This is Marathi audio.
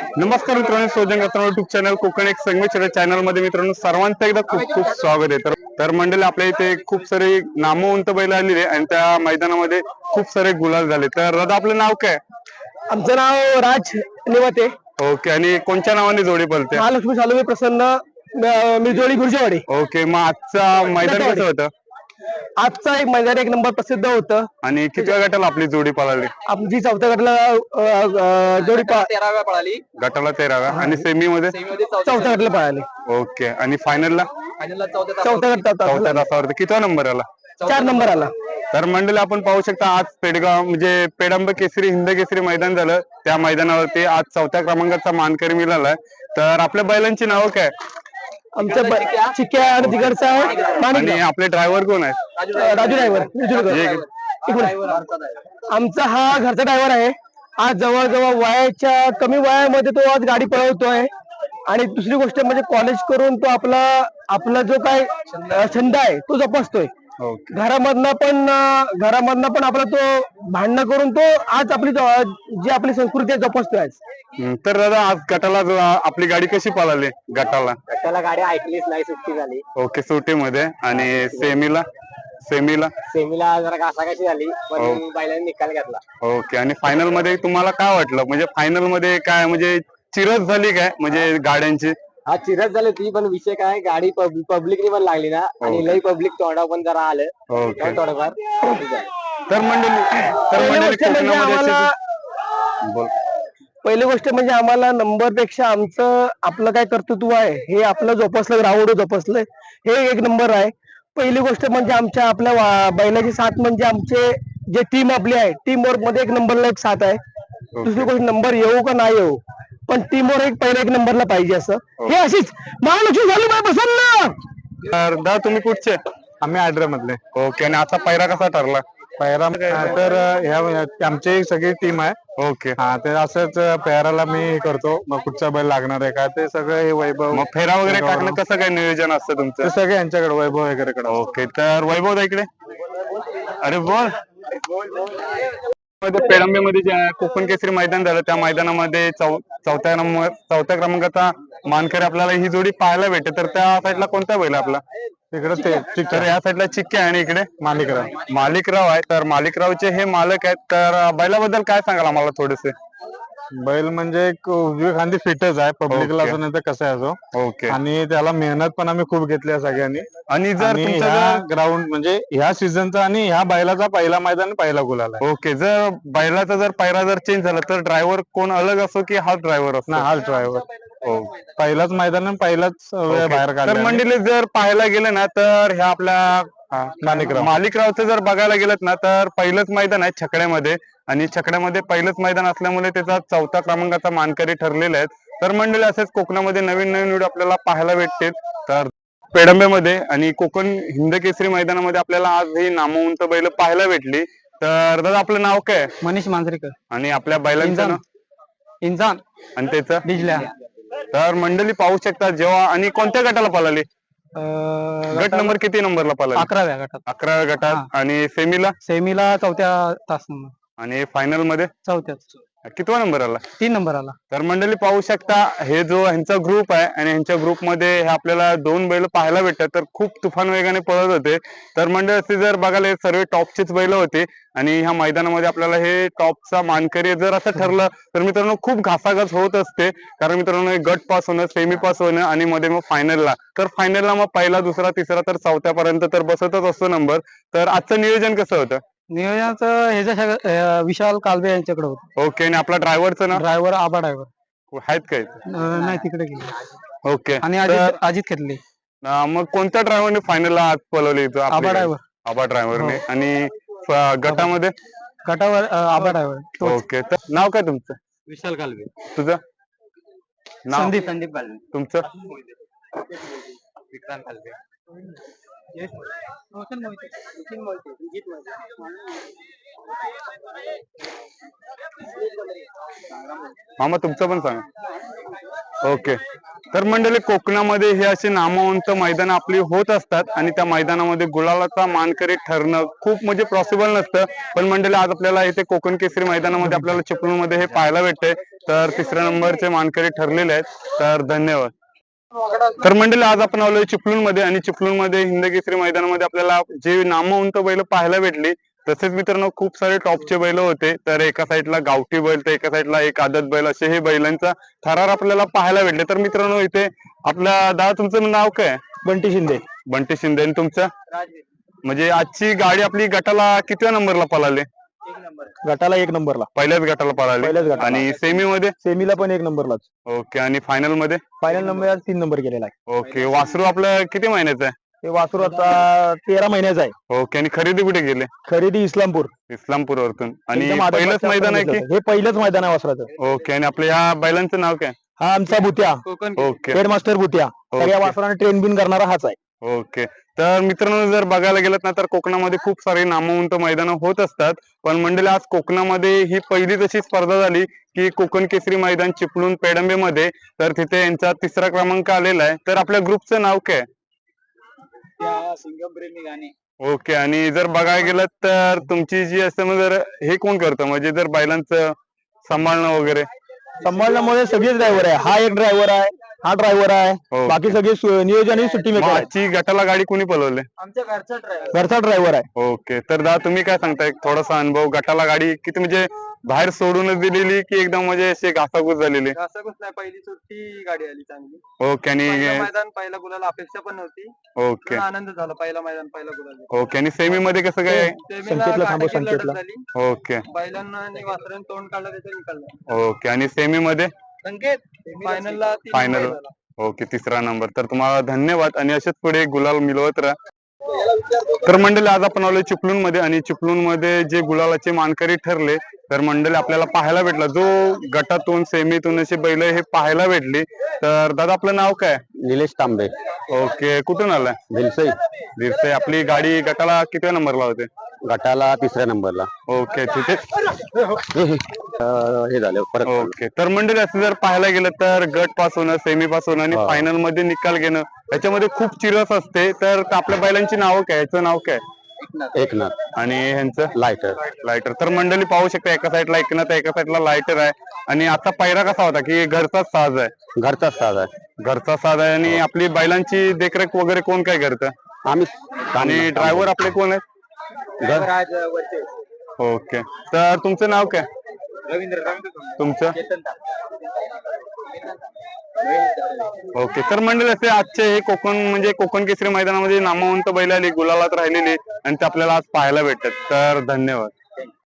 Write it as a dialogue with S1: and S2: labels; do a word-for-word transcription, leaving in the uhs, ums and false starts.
S1: नमस्कार मित्रांनो, शोधन करताना युट्यूब चॅनल कोकण एक संगमेश्वर चॅनल मध्ये मित्रांनो सर्वांचं एकदा खूप खूप स्वागत आहे. तर तर मंडळी आपल्या इथे खूप सारे नामवंत बैल आलेले आणि त्या मैदानामध्ये खूप सारे गुलाल झाले. तर दादा आपलं नाव काय?
S2: आमचं नाव राज निवाते.
S1: ओके, आणि कोणत्या नावाने जोडी पळते?
S2: महालक्ष्मी सालोमी प्रसन्न मिरजोळी गुरजेवाडी.
S1: ओके, मग आजचा मैदान कसं होतं?
S2: आजचा एक मैदान एक नंबर प्रसिद्ध होतं.
S1: आणि कितव्या गटाला आपली जोडी पळाली?
S2: आमची चौथ्या गटाला जोडी
S3: तेराव्या पळाली,
S1: गटाला तेराव्या आणि सेमी मध्ये
S2: चौथ्या गटाला पळाली.
S1: ओके, आणि फायनलला
S3: फायनलला चौथ्या
S2: चौथ्या गटात
S1: चौथ्या तासावरती कितवा नंबर आला?
S2: चार नंबर आला.
S1: तर मंडळी आपण पाहू शकता आज पेडगाव म्हणजे पेडंब केसरी हिंद केसरी मैदान झालं. त्या मैदानावरती आज चौथ्या क्रमांकाचा मानकरी मिळालाय. तर आपल्या बैलांची नावं काय?
S2: आमच्या चिक्या आणि तिकडचा
S1: आणि आपले ड्रायव्हर कोण आहेत?
S2: राजू ड्रायव्हर. आमचा हा घरचा ड्रायव्हर आहे. आज जवळजवळ वयाच्या कमी वयामध्ये तो आज गाडी पळवतोय. आणि दुसरी गोष्ट म्हणजे कॉलेज करून तो आपला आपला जो काय छंद आहे तो जोपासतोय. घरामधनं पण घरामधनं पण आपला तो भांडणं करून तो आज आपली जी आपली संस्कृती आहे जोपासतोय आज.
S1: तर दादा आज गटाला जो आपली गाडी कशी पळाली? गटाला
S3: गटाला गाडी ऐकलीच नाही, सुट्टी झाली.
S1: ओके, सुट्टीमध्ये. आणि सेमीला सेमीला
S3: सेमीला जरा घासाघाशी झाली, पण बैलांनी निकाल घेतला.
S1: ओके, आणि फायनल मध्ये तुम्हाला काय वाटलं? म्हणजे फायनल मध्ये काय म्हणजे चिरत झाली काय म्हणजे गाड्यांची?
S3: हा चिरत झाली ती, पण विषय काय गाडी पब्लिकनी पण लागली ना, आणि लई पब्लिक तोंडावर पण जरा आलं.
S1: ओके,
S3: थोडंफार
S1: तर मंडळी तर मंडळी कोकणामध्ये बोल
S2: पहिली गोष्ट म्हणजे आम्हाला नंबर पेक्षा आमचं आपलं काय कर्तृत्व आहे हे आपलं जोपासलं, ग्राउंड जोपासलं हे एक नंबर आहे. पहिली गोष्ट म्हणजे आमच्या आपल्या बैलाची साथ म्हणजे आमचे जे टीम आपली आहे टीम वर्क मध्ये एक नंबरला एक साथ आहे. दुसरी गोष्ट नंबर येऊ का नाही येऊ पण टीम वर्क एक पहिल्या एक नंबरला पाहिजे असं हे अशीच महालक्ष्मी झाली बाय प्रसन्न.
S1: तर दादा तुम्ही कुठचे?
S4: आम्ही आड्रा मधले.
S1: ओके, आणि आता पैरा कसा ठरला?
S4: पैरा तर ह्या आमची सगळी टीम आहे.
S1: ओके,
S4: हा ते असंच पेहराला मी करतो. मग कुठचा बैल लागणार आहे का ते सगळं हे वैभव
S1: मग फेरा वगैरे टाकणं कसं काय नियोजन असतं तुमचं?
S4: ते सगळे यांच्याकडे वैभव वगैरे कडे.
S1: ओके, तर वैभव दा इकडे. अरे बोल. पेडंबेमध्ये जे कोकण केसरी मैदान झालं त्या मैदानामध्ये चौ चौथ्या नंबर चौथ्या क्रमांकाचा मानकरी आपल्याला ही जोडी पाहायला भेटते. तर त्या साईडला कोणता बैल आपला?
S4: तिकडे ते
S1: तर या साईडला चिक्के आहे आणि इकडे
S4: मालिकराव
S1: मालिकराव आहे. तर मालिकरावचे हे मालक आहेत. तर बैलाबद्दल काय सांगाल आम्हाला थोडेसे?
S4: बैल म्हणजे एक उजवी खांदी फिटच आहे. पब्लिकला असो नाही तर कसं आहे असो.
S1: ओके,
S4: आणि त्याला मेहनत पण आम्ही खूप घेतली आहे सगळ्यांनी.
S1: आणि जर
S4: ह्या ग्राउंड म्हणजे ह्या सीझनचा आणि ह्या बैलाचा पहिला मैदान पहिला गुलाल आहे.
S1: ओके, जर बैलाचा जर पायरा जर चेंज झाला तर ड्रायव्हर कोण अलग असो की हाच ड्रायव्हर असतो?
S4: ना हाच ड्रायव्हर. हो, पहिलाच मैदान आणि पहिलाच वेळ बाहेर काढला.
S1: तर मंडळी जर पाहायला गेलं ना तर ह्या आपल्या
S4: मालिकराव
S1: मालिकरावचं जर बघायला गेलं ना तर पहिलंच मैदान आहे छकड्यामध्ये. आणि छकड्यामध्ये पहिलंच मैदान असल्यामुळे त्याचा चौथा क्रमांकाचा मानकरी ठरलेला आहे. तर मंडळी असेच कोकणामध्ये नवीन नवीन व्हिडिओ आपल्याला पाहायला भेटते. तर पेडंबेमध्ये आणि कोकण हिंद केसरी मैदानामध्ये आपल्याला आज ही नामवंत बैल पाहायला भेटली. तर दादा आपलं नाव काय?
S2: मनीष मांजरेकर.
S1: आणि आपल्या बैलांचं नाव?
S2: इंसान
S1: आणि त्याचं?
S2: डिजल्या.
S1: तर मंडळी पाहू शकता जेव्हा आणि कोणत्या गटाला पळाली? गट नंबर किती नंबरला पळाली?
S2: अकराव्या गटात.
S1: अकराव्या गटात. आणि सेमीला?
S2: सेमीला चौथ्या तास नंबर.
S1: आणि फायनल मध्ये
S2: चौथ्याच
S1: कितवा नंबर आला?
S2: तीन नंबर आला.
S1: तर मंडळी पाहू शकता हे जो ह्यांचा ग्रुप आहे आणि ह्यांच्या ग्रुपमध्ये हे आपल्याला दोन बैल पाहायला भेटतात. तर खूप तुफान वेगाने पळत होते. तर मंडळी असे जर बघायला सर्व टॉपचीच बैल होते. आणि ह्या मैदानामध्ये आपल्याला हे टॉपचा मानकरी जर असं ठरलं तर मित्रांनो खूप घासाघास होत असते. कारण मित्रांनो गट पास होणं, सेमी पास होणं आणि मध्ये मग फायनलला. तर फायनलला मग पहिला दुसरा तिसरा तर चौथ्यापर्यंत तर बसतच असतो नंबर. तर आजचं नियोजन कसं होतं?
S2: नियोजनाचं ह्याच्या विशाल कालबे यांच्याकडे होतं.
S1: ओके, आणि आपला ड्रायव्हरचं नाव?
S2: ड्रायव्हर आबा ड्रायव्हर
S1: आहेत काय?
S2: नाही तिकडे गेले.
S1: ओके,
S2: आणि अजित अजित खेतले.
S1: मग कोणत्या ड्रायव्हरने फायनलला आज पळवली?
S2: आबा ड्रायव्हर.
S1: आबा ड्रायव्हरने. आणि गटामध्ये?
S2: गटावर आबा ड्रायव्हर.
S1: ओके, तर नाव काय तुमचं?
S3: विशाल कालवे.
S1: तुझं नाव?
S2: संदीप.
S3: संदीप कालवे.
S1: तुमचं?
S3: विक्रांत कालवे.
S1: मामा तुमचं पण सांगा. ओके, तर मंडळी कोकणामध्ये हे असे नामवंत मैदान आपली होत असतात आणि त्या मैदानामध्ये गुलालाचा मानकरी ठरणं खूप म्हणजे पॉसिबल नसतं. पण मंडळी आज आपल्याला इथे कोकण केसरी मैदानामध्ये आपल्याला चिपळूणमध्ये हे पाहायला भेटतंय. तर तिसऱ्या नंबरचे मानकरी ठरलेले आहेत. तर धन्यवाद. तर मंडळी आज आपण आलोय चिपळूण मध्ये आणि चिपळूण मध्ये हिंदकेसरी मैदानामध्ये आपल्याला जे नामवंत बैल पाहायला भेटली. तसेच मित्रांनो खूप सारे टॉपचे बैल होते. तर एका साईडला गावठी बैल तर एका साईडला एक आदत बैल असे हे बैलांचा थरार आपल्याला पाहायला भेटले. तर मित्रांनो इथे आपल्या दादा तुमचं नाव काय?
S2: बंटी शिंदे.
S1: बंटी शिंदे. आणि तुमचं? म्हणजे आजची गाडी आपली गटाला कितव्या नंबरला पळाली?
S2: गटाला एक नंबरला,
S1: पहिल्याच गटाला पळाली.
S2: पहिल्याच गटाला.
S1: आणि सेमी मध्ये?
S2: सेमीला पण एक नंबरलाच.
S1: ओके. आणि फायनल मध्ये?
S2: फायनल नंबर तीन नंबर केलेला आहे.
S1: ओके. वासरू आपलं किती महिन्याचं आहे?
S2: हे वासरू आता तेरा महिन्याचा आहे.
S1: ओके. आणि खरेदी कुठे गेले?
S2: खरेदी इस्लामपूर.
S1: इस्लामपूर वरतून. आणि
S2: एकदम आदत
S1: पहिलंच
S2: बादशाह
S1: मैदान आहे
S2: आपण
S1: की?
S2: घेतलं. हे पहिलंच मैदान आहे वासराचं.
S1: ओके. आणि आपल्या ह्या बैलांचं नाव काय?
S2: हा आमचा भुत्या,
S1: ओके.
S2: हेडमास्टर भुत्या. सगळ्या वासराने ट्रेन बिन करणारा हाच आहे.
S1: ओके. तर मित्रांनो जर बघायला गेलं ना तर कोकणामध्ये खूप सारे नामवंत मैदानं होत असतात. पण मंडळी आज कोकणामध्ये ही पहिलीच अशी स्पर्धा झाली की कोकण केसरी मैदान चिपळूण पेडंबे मध्ये. तर तिथे यांचा तिसरा क्रमांक आलेला आहे. तर आपल्या ग्रुपचं नाव काय? ओके. आणि जर बघायला गेलं तर तुमची जी असते मग जर हे कोण करतं म्हणजे जर बैलांचं सांभाळणं वगैरे?
S2: सांभाळण्यामुळे सगळेच ड्रायव्हर आहे. हा एक ड्रायव्हर आहे, हा ड्रायव्हर आहे.
S1: ओके.
S2: बाकी सगळे सु- नियोजन आणि सुट्टी
S1: मग
S2: मेकर आहेत.
S1: आजची गटाला गाडी कोणी पळवली?
S3: आमच्या घरचा ड्रायव्हर.
S2: घरचा ड्रायव्हर आहे.
S1: ओके. तर दादा तुम्ही काय सांगताय थोडासा अनुभव गटाला गाडी किती म्हणजे बाहेर सोडूनच दिलेली की एकदम म्हणजे अशी घासाघूस झालेली?
S3: असं कुछ नाही, पहिली सुट्टी गाडी आली चांगली.
S1: ओके. आणि
S3: पहिलं मैदान पहिला गुलाल अपेक्षा पण नव्हती.
S1: ओके.
S3: पण आनंद झाला, पहिला मैदान पहिला गुलाल.
S1: ओके. आणि सेमी मध्ये कसं काय?
S3: सेमीला
S2: संकेतला थांबव,
S3: काटाची लढत
S2: संकेतला.
S3: झाली.
S1: ओके.
S3: बैलांना आणि वासरांनी तोंड काढलं त्याचा निकाल.
S1: ओके. आणि सेमी मध्ये?
S3: संकेत फायनलला तीन
S1: फायनल.
S3: नंबर झाला.
S1: ओके. तिसरा नंबर. तर तुम्हाला धन्यवाद आणि असेच पुढे गुलाल मिळवत राहा. तर मंडळी आज आपण आलोय चिपळूण मध्ये आणि चिपळूण मध्ये जे गुलालाचे मानकरी ठरले तर मंडळी आपल्याला पाहायला भेटला जो गटातून सेमीतून अशी बैल हे पाहायला भेटली. तर दादा आपलं नाव काय?
S2: निलेश तांबे,
S1: ओके. कुठून आलाय?
S2: दिलसई.
S1: दिरसे. आपली गाडी गटाला कितव्या नंबरला होते?
S2: गटाला तिसऱ्या नंबरला.
S1: ओके. तिथे
S2: हे झालं परत.
S1: ओके. तर मंडळी असं जर पाहायला गेलं तर गट पास होणं, सेमी पास होणं आणि
S2: हा.
S1: फायनल मध्ये निकाल घेणं याच्यामध्ये खूप चिरस असते. तर आपल्या बैलांची नावं काय? याचं नाव काय?
S2: एकनाथ
S1: आणि ह्यांचं?
S2: लायटर.
S1: लायटर. तर मंडळी पाहू शकता एका साईडला एकनाथ एका साईडला लायटर आहे. आणि आता पायरा कसा होता की घरचाच साज आहे?
S2: घरचाच साज आहे.
S1: घरचा साज आहे. आणि आपली बैलांची देखरेख वगैरे कोण काय करतं?
S2: आम्ही
S1: आणि ड्रायव्हर आपले कोण आहेत?
S3: आज वरचे
S1: ओके. तर तुमचं नाव काय?
S3: रवींद्र.
S1: तुमचं? ओके. तर मंडळी असे आजचे हे कोकण म्हणजे कोकण केसरी मैदानामध्ये नामवंत बैल आली गुलालात राहिलेली आणि ते आपल्याला आज पाहायला भेटतात. तर धन्यवाद.